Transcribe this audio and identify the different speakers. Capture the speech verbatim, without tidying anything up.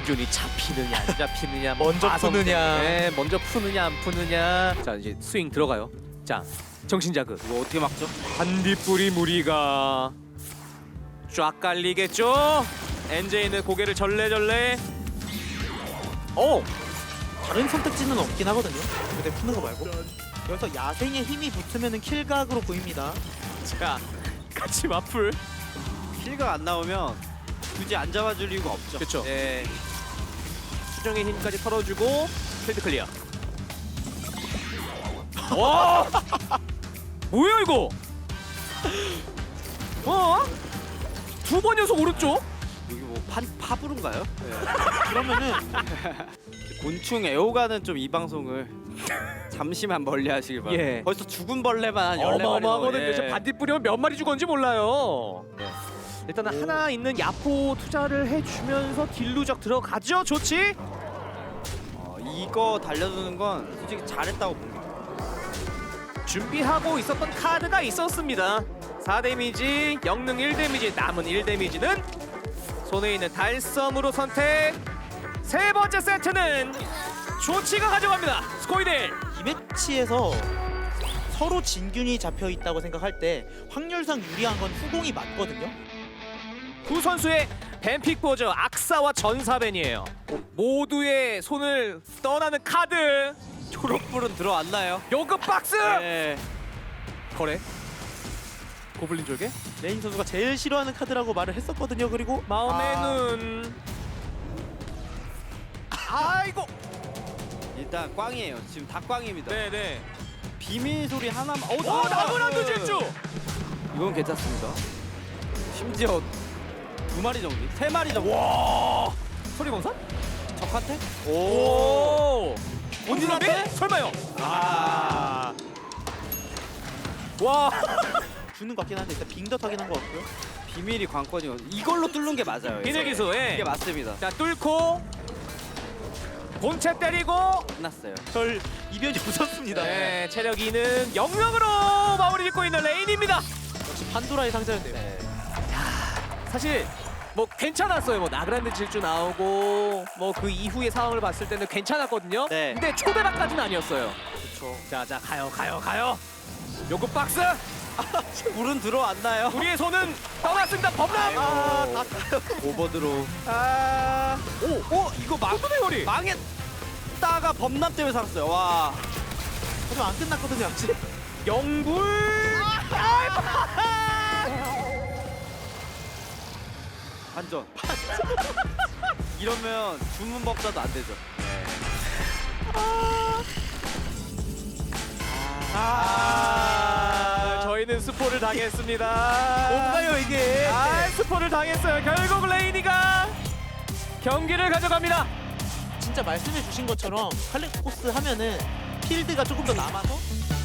Speaker 1: 진균이 잡히느냐 안 잡히느냐
Speaker 2: 먼저
Speaker 1: 마성
Speaker 2: 푸느냐.
Speaker 1: 때문에 먼저 푸느냐 안 푸느냐. 자 이제 스윙 들어가요. 자 정신자극
Speaker 3: 이거 어떻게 막죠?
Speaker 1: 반딧불이 무리가 쫙 깔리겠죠. 엔제이는 고개를 절레절레. 오
Speaker 2: 다른 선택지는 없긴 하거든요. 근데 푸는 거 말고. 여기서 야생의 힘이 붙으면 킬각으로 보입니다.
Speaker 1: 자 같이 맞풀.
Speaker 3: 킬가 안 나오면 굳이 안 잡아줄 이유가 없죠.
Speaker 1: 그쵸.
Speaker 3: 예.
Speaker 1: 수정의 힘까지 털어주고 필드 클리어. 와 뭐야 이거? 어? 두 번 연속 오른쪽?
Speaker 3: 여기 뭐 판, 파브른가요?
Speaker 2: 그러면은
Speaker 3: 곤충 애호가는 좀 이 방송을 잠시만 멀리 하시길 바랍니다.
Speaker 1: 예.
Speaker 3: 벌써 죽은 벌레만 한 열네 마리.
Speaker 1: 어마어마하거든요. 저 반딧불이면 몇 마리 죽었는지 몰라요.
Speaker 3: 네.
Speaker 1: 일단은 하나 있는 야포 투자를 해주면서 딜루적 들어가죠. 좋지?
Speaker 3: 어, 이거 달려드는 건 솔직히 잘했다고 봅니다.
Speaker 1: 준비하고 있었던 카드가 있었습니다. 사 데미지, 영능 일 데미지, 남은 일 데미지는 손에 있는 달섬으로 선택. 세 번째 세트는 조치가 가져갑니다. 스코이델.
Speaker 2: 이 매치에서 서로 진균이 잡혀 있다고 생각할 때 확률상 유리한 건 후공이 맞거든요.
Speaker 1: 두 선수의 뱀픽 보죠. 악사와 전사벤이에요. 모두의 손을 떠나는 카드.
Speaker 3: 초록불은 들어왔나요?
Speaker 1: 요급 박스.
Speaker 3: 네.
Speaker 1: 거래. 고블린 졸개.
Speaker 2: 레인 선수가 제일 싫어하는 카드라고 말을 했었거든요. 그리고
Speaker 1: 마음의
Speaker 2: 아,
Speaker 1: 눈. 아이고.
Speaker 3: 일단 꽝이에요. 지금 다 꽝입니다.
Speaker 1: 네네.
Speaker 3: 비밀 소리 하나만. 어,
Speaker 1: 오 나무란도 질주.
Speaker 3: 이건 괜찮습니다. 심지어 두 마리 정도, 세 마리 정도.
Speaker 1: 와. 소리공산?
Speaker 3: 적한테?
Speaker 1: 오.
Speaker 3: 본인한테?
Speaker 1: 본인한테? 설마요?
Speaker 3: 아.
Speaker 1: 와.
Speaker 2: 주는 것 같긴 한데 일단 빙덧하긴 한 것 같고요.
Speaker 3: 비밀이 관건이요. 이걸로 뚫는 게 맞아요.
Speaker 1: 비늘 기수. 예.
Speaker 3: 이게 맞습니다.
Speaker 1: 자 뚫고 본체 때리고.
Speaker 3: 끝났어요.
Speaker 2: 절 이변이 없었습니다.
Speaker 1: 네. 체력 이는 영명으로 마무리 짓고 있는 레인입니다.
Speaker 2: 역시 판도라의 상자였네요.
Speaker 3: 네.
Speaker 1: 사실 뭐 괜찮았어요. 뭐 나그란드 질주 나오고 뭐 그 이후의 상황을 봤을 때는 괜찮았거든요.
Speaker 3: 네.
Speaker 1: 근데 초대박까지는 아니었어요.
Speaker 3: 그렇죠.
Speaker 1: 자자 가요 가요 가요. 요급 박스.
Speaker 3: 불은 들어왔나요?
Speaker 1: 우리의 손은 떠났습니다. 범람.
Speaker 3: 아, 다 오버드로.
Speaker 1: 아.
Speaker 3: 오, 오, 이거 망
Speaker 1: 머리.
Speaker 3: 망했다가 범람 때문에 살았어요. 와.
Speaker 2: 하지만 안 끝났거든요 아직.
Speaker 1: 영불.
Speaker 3: 반전. 이러면 주문 법사도 안 되죠.
Speaker 1: 아, 저희는 스포를 당했습니다.
Speaker 3: 뭔가요 이게?
Speaker 1: 아, 스포를 당했어요. 결국 레이니가 경기를 가져갑니다.
Speaker 2: 진짜 말씀해 주신 것처럼 칼렉코스 하면은 필드가 조금 더 남아서